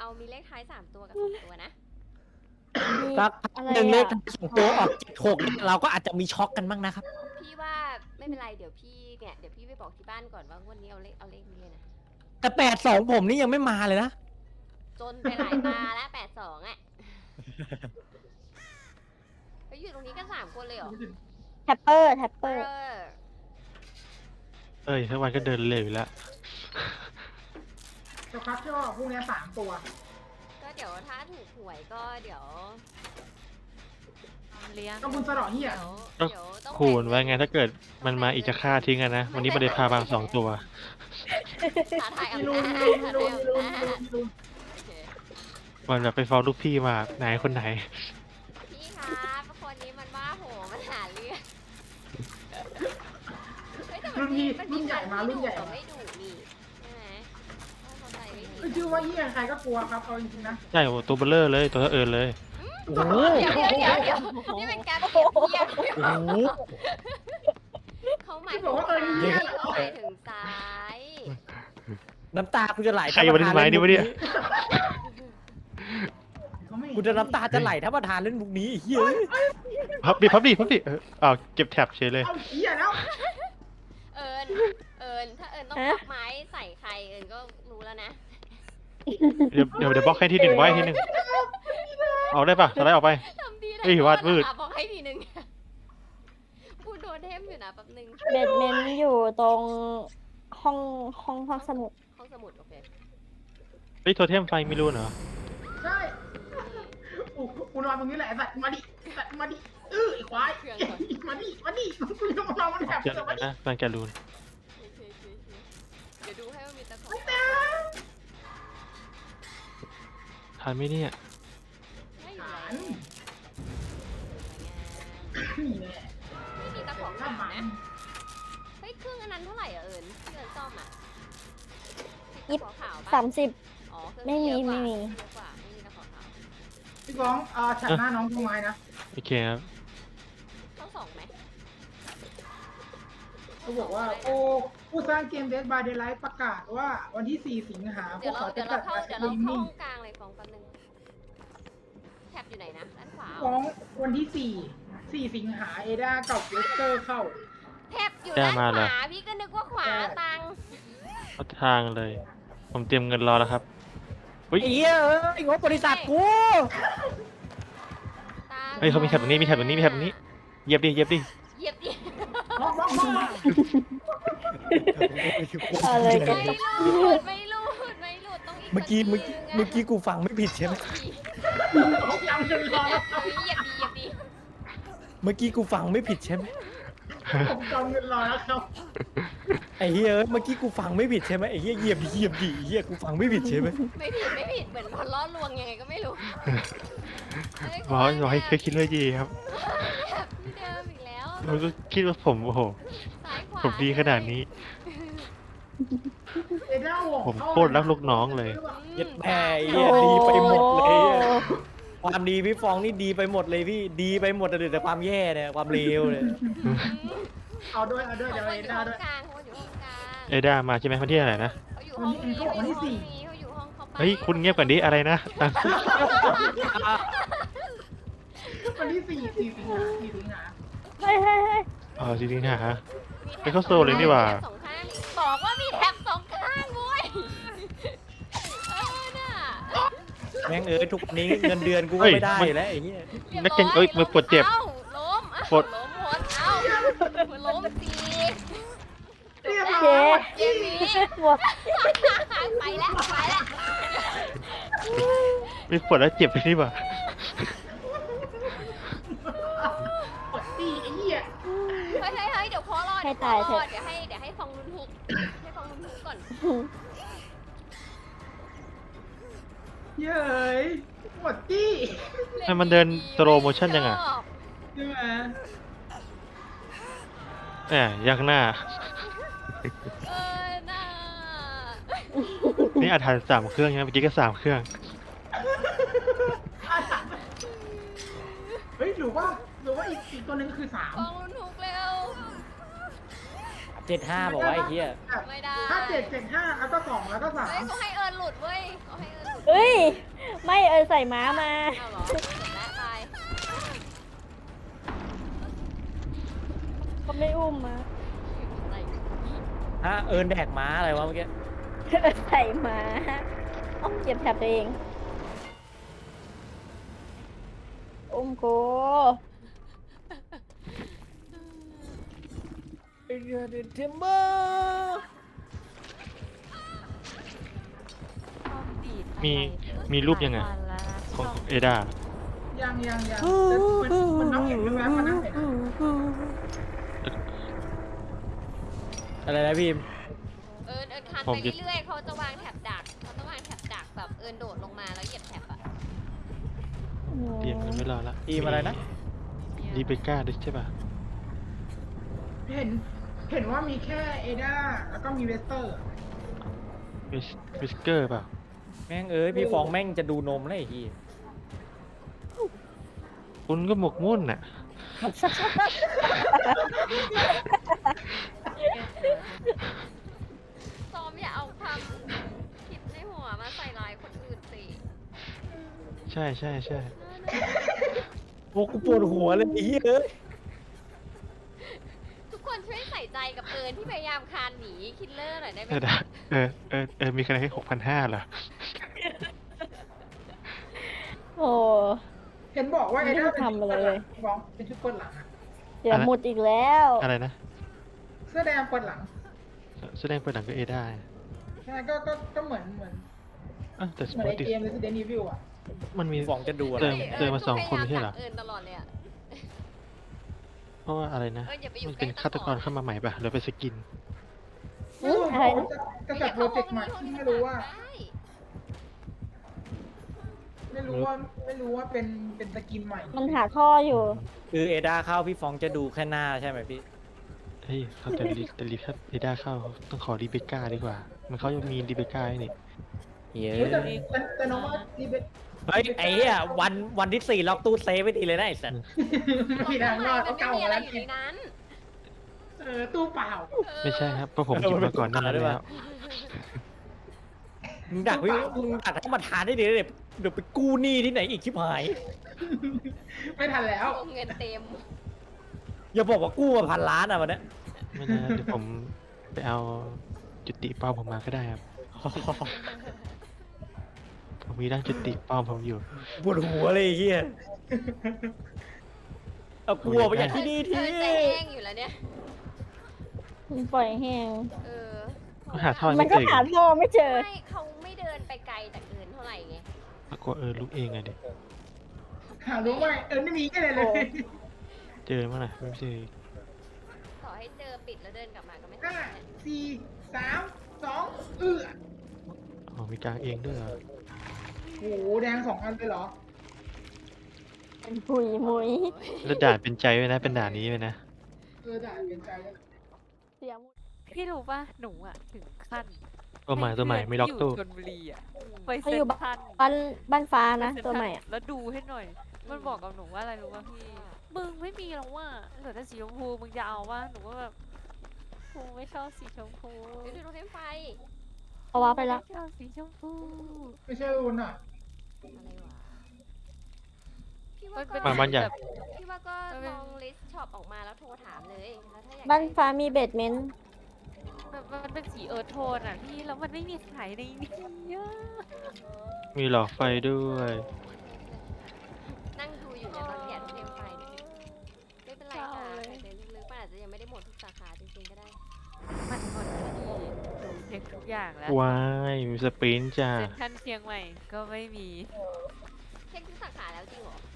เอามีเลขท้าย3ตัวกับ2ตัวนะสักหนึ่งเลข2ตัวออก76เราก็อาจจะมีช็อกกันบ้างนะครับพี่ว่าไม่เป็นไรเดี๋ยวพี่ไปบอกที่บ้านก่อนว่าวันนี้เอาเลขนี้เลยนะแต่82ผมนี่ยังไม่มาเลยนะจนไปหลายตาแล้ว82อ่ะไปอยู่ตรงนี้กัน3คนเลยเหรอแท็ปเปอร์เอ้ยทั้งวันก็เดินเร็วอยู่แล้วจะพักช่อพวกนี้3 ตัวก็เดี๋ยวถ้าถูกหวยก็เดี๋ยวเลี้ยงก็บุญสะเดาะเหี้ยเดี๋ยวต้องคูณไว้ไงถ้าเกิดมันมาอีกจะฆ่าทิ้งกันนะ วันนี้ไม่ได้พาบาง2 ตัวท้าทายมีอำรูนาจมีรูมีรูมีรูท้าทายอำนาจมีรูโอเควันแบบไปฟ้องลูกพี่มาไหนคนไหนพี่ครับคนนี้มันว่าโหมันหาเรื่องเฮ้ยแต่มันมีรุ่นใหญ่มารุ่นใหญ่แต่มาไม่ดุนี่ใช่ไหมถ้าเขาใจไม่ดีชื่อว่าเหี้ยใครก็กลัวครับเอาจริงๆนะใช่โอ้ตัวเบลเลอร์เลยตัวเท่าเอิญเลยโอ้โหเดี๋ยวนี่เป็นการเปรียบเทียบโอ้โหเขาหมายถึงซ้ายเขาหมายถึงซ้ายน้ำตากูจะไหลใครวันนี้ไม้นี่วะเนี่ยเขาไม่กูจะน้ำตาจะไหลถ้าประธานเล่นมุกนี้ไอ้เฮ้ยพับดิอ้าวเก็บแท็บเฉยเลยเอาเหี้ยแล้วเอิญถ้าเอิญต้องพักไม้ใส่ใครเอิญก็รู้แล้วนะเดี๋ยวบล็อกให้ที่หนึ่งไว้ที่หนึ่งเอาได้ปะสไลด์ออกไปทำดีเฮ้ยวาดมืดบอกให้ทีนึงพูดโดนเทมอยู่นะแป๊บนึงเบดเมนต์อยู่ตรงห้องสมุดห้องสมุดโอเคเฮ้ยโทเทมไฟไม่รู้เหรอใช่กูนอนตรงนี้แหละสัตว์มาดิสัตว์มาดิไอ้ควายมาดิกูจะมานอนมันแถบเจอจะมาดินะแฟนแกรูนโอเคเดี๋ยวดูให้ว่ามีตะขอทันไหมเนี่ยไม่อยู่ฐาแล้นวนี่แหละไม่มีตะขอน้ำขามัวน นะเฮ้ยเครื่องอันนั้นเท่าไหร่อ่ะเอิญที่เอิญซ่อมอ่ะตะขอขาวปะ 30 อ๋อเครื่องไม่มีเยอะกว่าไม่มีเยอะกว่าไม่มีตะขอขาวพี่ก้องฉันหน้าน้องทำไมนะโอเคครับต้อง2ไหมเขาบอกว่าผู้สร้างเกม Dead by Daylight ประกาศว่าวันที่ 4 สิงหาพเดี๋ยว วกเขาเราจะจัดเข้าการเดี๋ยวเราเข้านิ่ห้งองกลางเลยฟองแป๊บนึงแท็บอยู่ไหนนะด้านขวาฟ้องวันที่ 4 สิงหาเอดากับเวสเตอร์เข้าแท็บอยู่ด้านขวาพี่ก็นึกว่าขวาตังเอาทางเลย ผมเตรียมเงินรอแล้วครับไอ้เหี้ยไอ้งบบริษัทกูเฮ้ยเขามีแถบตรงนี้มีแถบตรงนี้เหยียบดิเหยียบดิมองอะไรกันไม่หลุดต้องอีกเมื่อกี้กูฟังไม่ผิดใช่ไหมจำจนรอแล้วเหยียบดีเมื่อกี้กูฟังไม่ผิดใช่ไหมผมจำเงินรอแล้วครับไอ้เหี้ยเมื่อกี้กูฟังไม่ผิดใช่ไหมไอ้เหี้ยเหยียบดิไอ้เหี้ยกูฟังไม่ผิดใช่ไหมไม่ผิดเหมือนพอล้อลวงยังไงก็ไม่รู้บอกให้เคยคิดเลยดีครับแบบที่เดิมอีกแล้วผมก็คิดว่าผมโอ้โหซ้ายขวาผมดีขนาดนี้เอดาห่วงผมโคตรรักลูกน้องเลยเย็ดแม่ไอ้เหี้ยดีไปหมดเลยความดีพี่ฟองนี่ดีไปหมดเลยพี่ดีไปหมดเลยแต่ความแย่เนี่ยความเลวเนี่ยเอาด้วยเดี๋ยวเขาเออยู่ดาห้องด้วยกลางเขาอยู่ห้องกลางเอด้ามาใช่ไหมวันที่อะไรนะเขาอยู่ห้องนี้เขาอยู่ห้องเขาไปเฮ้ยคุณเงียบก่อนดิอะไรนะวันที่ 4 สิงหาเฮ้ยอ๋อจริงๆฮะ ไปเข้าโซนเลยนี่หว่าสองข้างบอกว่ามีแท็บ2 ข้างเว้ยน่ะแม่งทุกวันนี้เงินเดือนกูก็ไม่ได้แล้วไอ้เหี้ยนักเก่งเอ้ยมือปวดเจ็บอ้าล้มปวดล้มหมดเอ้าล้มสีเรียบเจ๊ร้อยเกมนี้หมดไปแล้วไม่ปวดแล้วเจ็บไปนี่หว่าปวดตีไอ้เหี้ยเฮ้ยเดี๋ยวพอรอเดี๋ยวให้ฟองลุ้นฮุกให้ฟองลุ้นฮุกก่อนเย้ยปวดตีให้มันเดินสโลว์โมชั่นยังไงใช่ไหมแหมยักหน้าน่านี่อาถรรพ์3 เครื่องใช่ไหมเมื่อกี้ก็3 เครื่องเฮ้ยหรือว่าอีกตัวนึงคือฟองลุ้นฮุกเร็ว 75บอกว่าไอ้เหี้ย 3 ไม่ได้ถ้า7 7 5แล้วก็2แล้วก็เฮ้ยเขาให้เอิญหลุดเว้ยเขาให้เอิญหลุดเฮ้ยไม่ใส่ม้ามาเอาเหรอเสร็จแล้วไปก็ไม่อุ้มมาอะไรอีกฮะแดกม้าอะไรวะเมื่อกี้ใส่ม้าต้องเก็บแถบตัวเอง อุ้มกูเทมเบอร์มีรูปยังไงของเอดายังมันน้องเห็นแว๊บๆมันน้องเห็นอะอะไรนะพี่เอิญคันไปเรื่อยๆเขาจะวางแถบดักแบบเอิญโดดลงมาแล้วเหยียบแถบอะเตรียมกันไว้รอละทีมอะไรนะรีเบคก้าด้วยใช่ป่ะเห็นว่ามีแค่เอด้าแล้วก็มีเวสเตอร์วิสเกอร์เปล่าแม่งพี่ฟองแม่งจะดูนมแล้วไอ้ที่คุณก็หมกมุ่นน่ะซ้อมอย่าเอาความคิดในหัวมาใส่ร้ายคนอื่นสิใช่โอ้กูปวดหัวเลยไอ้เหี้ยทุกคนช่วยใส่ใจกับเอิญที่พยายามคานหนีคิลเลอร์หน่อยได้ไหมเอดามีคะแนนแค่6,500เหรอโอ้เห็นบอกว่าเอด้าไม่ได้ทำอะไรเลยฟ้องเป็นชุดเปิดหลังอะเสียหมุดอีกแล้วอะไรนะเสื้อแดงเปิดหลังแสดงเปิดหนังก็เอดาใช่ก็เหมือนแต่สเหมืปอนอไอติเกม Resident Evil อ่ะมันมีพี่ฟองจะดูอะไรเติมมาสองคนไม่ใช่เหรอเอิญตลอดเลยอะเพราะว่าอะไรนะอย่าไปอยู่มันเป็นใกล้ฆาตกรเข้ามาใหม่ป่ะหรือเป็นสกินอะไรนะจะจัดโปรเจกต์ใหม่ที่ไม่รู้ว่าได้ไม่รู้ว่าเป็นสกินใหม่มันหาท่ออยู่คือเอดาเข้าพี่ฟองจะดูแค่หน้าใช่ไหมพี่เฮ้ยเขาแต่รีถ้าเอดาเข้าต้องขอรีเบคก้าดีกว่า มันเขายังมีรีเบคก้าให้นี่เย้เฮ้ยแต่น้องว่านี่เป็นเฮ้ยไอ้เหี้ยวันที่ 4 ล็อกตู้เซฟไว้ดีเลยนะไอ้สัสไม่มีทางรอดมัเขานไม่เก่ามีอะไรแล้วอยู่ในนั้นตู้เปล่าไม่ใช่ครับเพราะผมหยิบมาก่อนหนั่นแล้วมึงดักต้องมาทานได้ดีเลยเดี๋ยวไปกู้หนี้ที่ไหนอีกชิบหายไม่ทันแล้วเงินเต็มอย่าบอกว่ากู้มา1,000,000,000อ่ะวันเนี้ยไม่นะเดี๋ยวผมไปเอาจุติป้อมผมมาก็ได้ครับ ผมมีร่างจุติป้อมผมอยู่ปวดหัวเลยไอ้เฮียเอากลัวไปจากที่นี่ทีเอิญจะแห้งอยู่แล้วเนี่ยมันปล่อยแห้งเออก็หาท่อมัไม่นเจก็ออีกหาท่อไม่เจอไม่เขาไม่เดินไปไกลจากเอิญเท่าไหร่ไงปรากฏลุกเองไงเด็กหารู้ไหมไม่มีอะไรเลยเจอมั้งนะไม่เจออีกต่อให้เจอปิดแล้วเดินกลับมาก็ไม่ทัน 5 4 3 2 อ๋อมีกลางเองด้วยเหรอโอ้โหแดง2 อันเลยเหรอเป็นปุยมุยแล้วด่านเป็นใจไว้นะเป็นด่านนี้ไว้นะด่าเปลี่ยนใจแล้วเสียหมุดพี่รู้ป่ะหนูอ่ะถึงขั้นตัวใหม่ไม่ล็อกตู้ให้เพื่นที่อยู่ชลบุรีอ่ะไปเขาเซ็อน ยู่ทรัลบ้านฟ้านะไปเซ็ตัวทรัลใหม่อะแล้วดูให้หน่อย มันบอกกับหนูว่าอะไรรู้ป่ะพี่มึงไม่มีแล้วว่าเหลือแต่สีชมพูมึงจะเอาว่าหนูก็แบบกูไม่ชอบสีชมพูเดี๋ยวดูโทรเทมไฟเอาว้าไปแล้วไม่ชอบสีชมพูไม่ใช่รุนอ่ะอะไรวะพี่ว่ามันเป็นก็บ้านใหญ่แบบพี่ว่าก็ลองลิสต์ช็อปออกมาแล้วโทรถามเลยแล้วถ้าอยากบ้านได้ฟ้ามีเบดเมนต์มันเป็นสีเอิร์ธโทนอ่ะพี่แล้วมันไม่มีขายในนี้อะมีหลอดไฟด้วยนั่งดูอยู่ในยตอนแกะโทรเทมไฟเนี่ยไม่เป็นไรค่ะแต่ลึกๆมันอาจจะยังไม่ได้หมดทุกสาขาจริงๆก็ได้มันหมดพี่หนูเช็คทุกอย่างแล้วว้ายมีสปรินต์จ้าเซ็นทรัลเชียงใหม่ก็ไม่มีเช็คทุกสาขาแล้วจริงเหรอ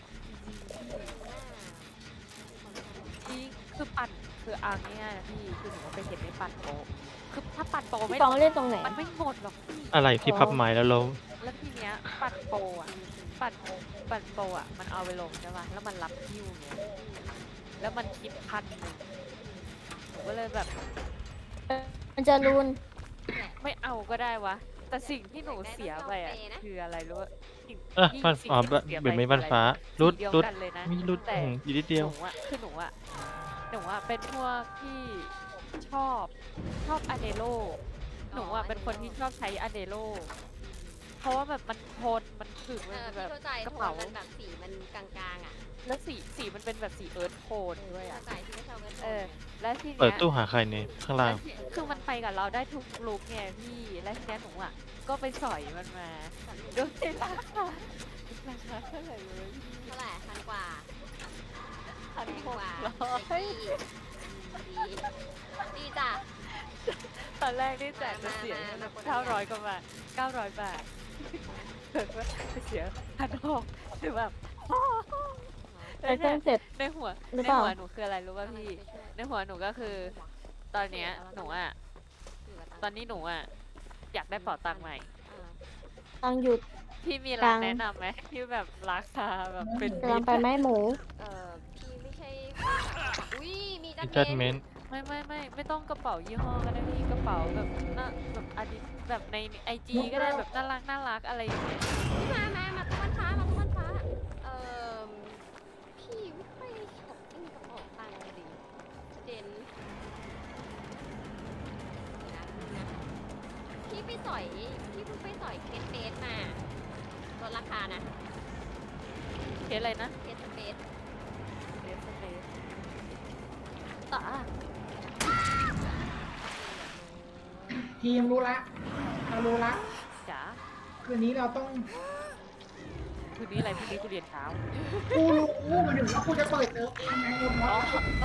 ที่คือปั่นคือเอาง่ายๆนะพี่คือหนูไปเห็นในปั่นโปะคือถ้าปั่นโปะพี่ไม่ฟองเล่นตรงไหนมันไม่หมดหรอกพี่อะไรที่พับไม้แล้วล้มแล้วทีเนี้ยปั่นโปะอ่ะปั่นโปะอ่ะมันเอาไปลงใช่ป่ะแล้วมันรับคิวเงี้ยแล้วมันคิด1,000หนูก็เลยแบบมันจะรูนไม่เอาก็ได้วะแต่สิ่งที่หนูเสียไปอ่ะคืออะไรรู้ป่ะสิ่งบ้านสิ่งอ๋อที่หนูสียเปลี่ยนเป็นบ้านคือฟ้าอะไรรุดสีเดียวรุดกันเลยนะมีรุดแต่อยู่นิดเดียวหนูอะคือหนูอะเป็นพวกที่ชอบอเนโลหนูอะเป็นคนที่ชอบใช้อเนโลเพราะว่าแบบมันโทนมันถึงเอมันอแบพี่บเข้าใจกระโทนเป๋ามันแบบสีมันกลางๆอ่ะแล้วสีมันเป็นแบบสีเอิร์ธโทนด้วยอ่ะเข้าใจที่ไม่ชอบกันโทเอน อไงแล้วทีเปิเนี้ดยตู้หาใครเนี่ยข้างล่างคือมันไปกับเราได้ทุกลุคไงพี่ แล้วทีเนี้ยหนูอ่ะ ก็ไปสอยมันมาโดยราคาเท่าไหร่เลยเท่าไหร่พันกว่าพันแพงหกกว่าร้อยไอ้กี้ดีดีจ้ะตอนแรกนี่แจกจะเสียมา 900 กว่าบาท 900 บาทเกิดว่าไปเสีย1,600คือแบบใช้เครื่องเสร็จในหัวหรือในเปล่าหัวหนูคืออะไรรู้ป่ะพี่ ในหัวหนูก็คือ ตอนเนี้ยหนูอ่ะ ตอนนี้หนูอ่ะ อยากได้เป๋าตังค์ใหม่ตังหยุดพี่มีร้านตังค์แนะนำไหมที่แบบราคาแบบเป็นกำลังไปไหมหมูพี่ไม่ใช่อุ้ยมีจัมีดจัดเมเมนนต์ไม่ต้องกระเป๋ายี่ห้อก็ได้พี่กระเป๋าแบบน่าแบบอาดิแบบในไอจีก็ได้แบบน่ารักอะไรอย่างเงี้ยมาตะวันฟ้ามาตะวันฟ้าพี่ไม่ค่อยชอบไม่มีกระเป๋าตังค์ดิเจนนะพี่ไปสอยพี่เพิ่งไปสอยเคสเบสมาลดราคานะเคสอะไรนะเคสเบสเคสเฟสต่อทีมรู้ละเรารู้ละจ๋าคืนนี้เราต้องคืนนี้อะไรพรุ่งนี้กูเรียนเช้ากูรู้มันถึงว่ากูจะเปิดเซิร์ฟเองไงหมดอ๋อ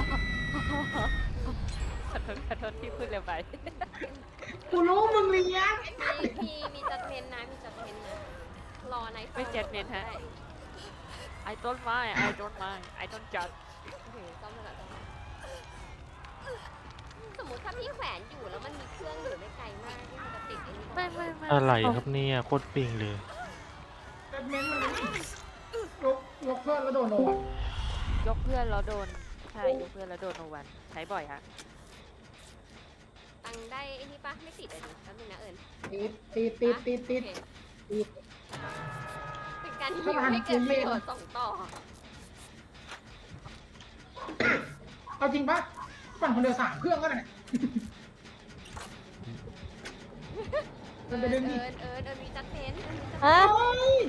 วะขอโทษที่พูดเร็วไปกูรู้มึงเลี้ยงมีจัดเมนนะมีจัดเมนนะรอในไม่จัดเมนฮะ I don't mind I don't judge ต้องมาก่อนสมมติถ้าพี่แขวนอยู่แล้วมันมีเครื่องอยู่ไม่ไกลมากที่มันจะติดไอ้นี่ไม่อะไรครับเนี่ยโคตรปิงเลยเซิร์ฟเมนต์มันยกเพื่อนแล้วโดนโดนยกเพื่อนแล้วโดนใช่ยกเพื่อนแล้วโดนโนวันใช้บ่อยฮะตังได้ไอ้นี่ปะไม่ติดเลยดิแป๊บนึงนะเอิญติดเป็นการฮิวให้เกิดประโยชน์ส่งต่อเอาจริงปะปั่นคนเดียว3 เครื่องก็ได้มันจะดึงดิเอิญมีจัดเมนฮะโอ้ย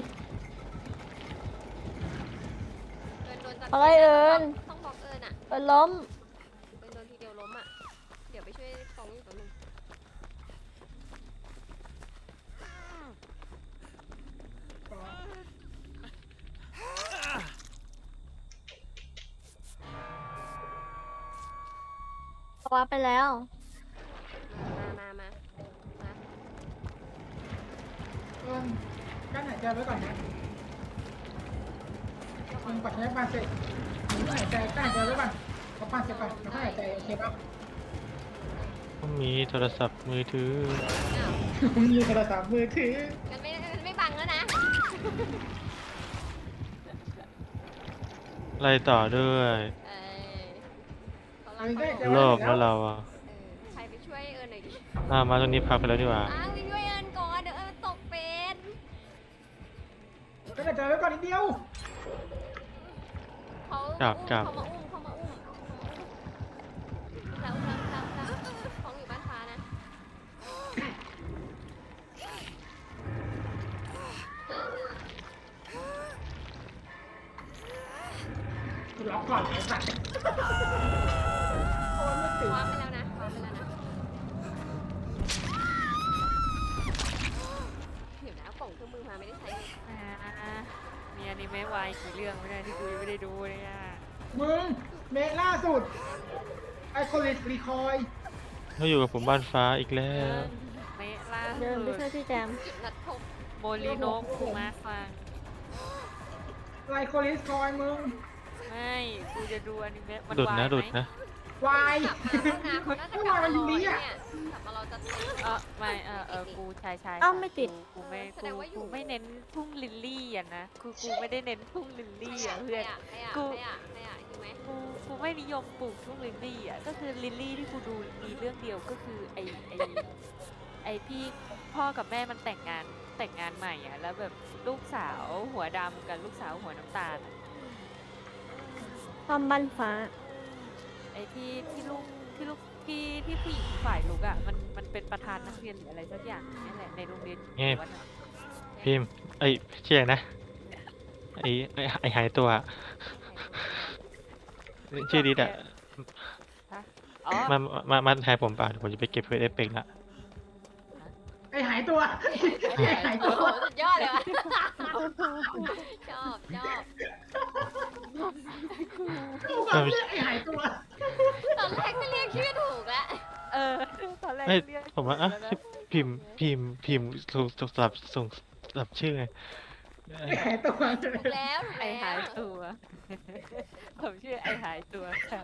เอิญโดนจัดอะไรเอิญต้องบอกเอิญอ่ะเอิญล้มเอิญโดนทีเดียวล้มอ่ะเดี๋ยวไปช่วยฟองอยู่แป๊บนึงว้าไปแล้วมาเอิ้นกั้นหายใจไว้ก่อนนะมึงปัดใช้ปานเสร็จมึงก็หายใจกั้นหายใจไว้ก่อนพอปานเสร็จก่อนแล้วก็หายใจโอเคปะต้องมีโทรศัพท์มือถืออ้าวมึงมีโทรศัพท์มือถือมันไม่บังแล้วนะไล่ต่อด้วยเขาโลภแล้วเราอ่ะใครไปช่วยเอิญหน่อยดิมาตรงนี้พักไปแล้วดีกว่าอ้าวไปช่วยเอิญก่อนเดี๋ยวเอิญตกเป็นกั้นหายใจไว้ก่อนนิดเดียวเขาจับเขามาอุ้มแล้วของอยู่บ้านฟ้านะกูล็อกก่อนไอ้สัตว์โอ้ยไม่ติดวางไปแล้วนะเดี๋ยวนะเอากล่องเครื่องมือมาไม่ได้ใช้เลยมีอนิเมะวายกี่เรื่องไม่ได้ที่กูยังไม่ได้ดูเลยอ่ะมึงเมะล่าสุดไอคอลิสรีคอยเขาอยู่กับผมบ้านฟ้าอีกแล้วเมะล่าเดินไปสุดช่วยพี่แจมจุดนัดพบโมลิโนะคุมาฟังไลคอลิสคอยมึงไม่กูจะดูอนิเมะมันดุดวายนะไหดุดมนะวายกลับมาแล้วนะเขาน่าจะกลับมารอเนี่ยกลับมารอจะเต็มไม่กูชายอ้าวไม่ติดกูไม่แสดงว่าอยู่กูไม่เน้นทุ่งลิลลี่อ่ะนะกูไม่ได้เน้นทุ่งลิลลี่อ่ะเพื่อนใครอ่ะอยู่ไหมกูไม่นิยมปลูกทุ่งลิลลี่อ่ะก็คือลิลลี่ที่กูดูมีเรื่องเดียวก็คือไอพี่พ่อกับแม่มันแต่งงานใหม่อ่ะแล้วแบบลูกสาวหัวดำกับลูกสาวหัวน้ำตาลอะความบ้านฟ้าไอที่ลูกที่ผู้หญิงฝ่ายลูกอ่ะมันเป็นประธานนักเรียนหรืออะไรสักอย่างนี่แหละในโรงเรียนเงียบวัดอะพิมพ์ไอ้ชื่ออะไรนะไอ้หายตัวอะชื่อดิดอะอ๋อมาแทนผมป่ะเดี๋ยวผมจะไปเก็บเฟซเอฟเฟกต์ละไอ้หายตัวไอ้หายโอ้ตัวโหสุดยอดเลยว่ะชอบกูก็เรียกไอ้หายตัวตอนแรกก็เรียกชื่อถูกแล้วเออตอนแรกเอ้ยเรียกผมว่าอ่ะแล้วนะพิมพ์ส่งสลับชื่อไงไอ้หายตัวถูกแล้วไอหายตัว ผมชื่อไอหายตัวครับ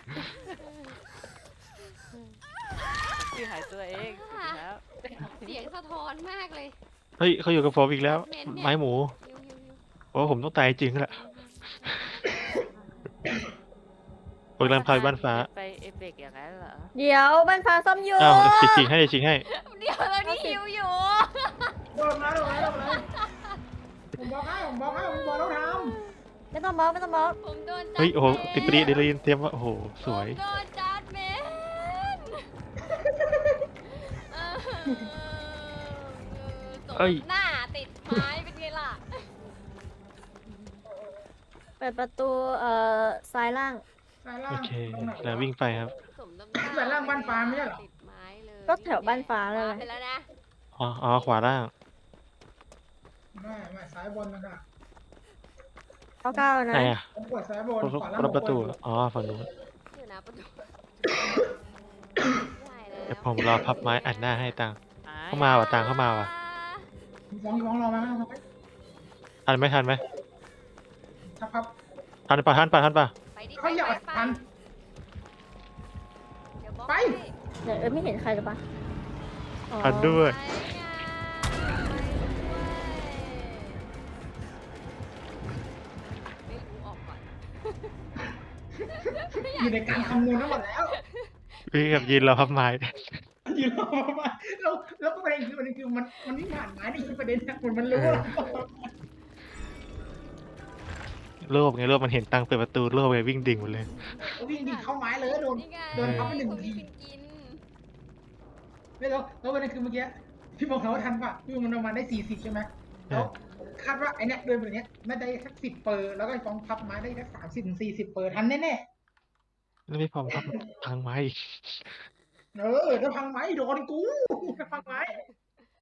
ผมชื่อหายตัวเองถูกแล้วเสียงสะท้อนมากเลยเฮ้ยเขาอยู่กับผมอีกแล้วเมนเนี่ยไม้หมูยูโอ้ผมต้องตายจริงแหละผมกำลังพาไปบ้านฟ้าไปเอเบกอย่างนั้นเหรอเดี๋ยวบ้านฟ้าซ่อมอยู่อ้าวจริงให้เดี๋ยวเรานี่ฮิวอยู่โดนมาโดนมาโดนมาผมบอกให้ผมบอกแล้วทไม่ต้องบล็อกไม่ต้องบล็อกผมโดนจัดเฮ้ยโอ้โหเมนติดปรีเดลินเตรียมว่าโอ้โหสวยผมโดนจัดเมนเออสมหน้าติดไม้เป็นไงล่ะเปิดประตูซ้ายล่างำสายล่าโอง เคตรงไหนแล้ววิ่งไปครับสมน้ำหน้าแต่ล่างบ้านฟ้าไม่ใช่เหรอติดไม้เลยก็แถวบ้านฟ้าเลยไปแล้วนะอ๋อขวาล่างไม่ซ้ายบนนะค่ะเก้านะไหนอ่ะผมกดซ้ายบนขวาล่างประตูอ๋อฝั่งนู้นอยู่นะประตูได้แล้เดี๋ยววผมรอพับไม้อัดหน้าให้ตังเข้ามาว่ะตังเข้ามาว่ะฟ้องรอมาทันไหมถ้าพับทันป่ะไปดิเขาอยากไปทันเดี๋ยวบล็อกไปให้เดี๋ยวไม่เห็นใครหรือปะอ๋อทันด้วยไปอ่ะไม่รู้ออกก่อนอยู่ในการคำนวณทั้งหมดแล้ววิ่งกับยืนรอพับไม้อยู่รอมาแล้วประเด็นคือมันวิ่งผ่านไม้นี่คือประเด็นนะมันรู้ว่าโลภไงโลภมันเห็นตังเปิดประตูโลภไปวิ่งดิ่งหมดเลยวิ่งดิ่งเข้าไม้เลยโดนนี่ไงโดนพับไปหนึ่งคนทีที่กินไม่แล้วประเด็นคือเมื่อกี้พี่บอกเขาว่าทันป่ะพี่มันประมาณได้40ใช่ไหมแล้วคาดว่าไอเนี้ยโดยแบบเนี้ยน่าจะได้สัก10 เปอร์แล้วก็ฟ้องพับไม้ได้สัก30 ถึง 40 เปอร์ทันแน่แล้วไม่พอพับพังไม้อีกๆถ้าพังไม้โดนกูถ้าพังไม้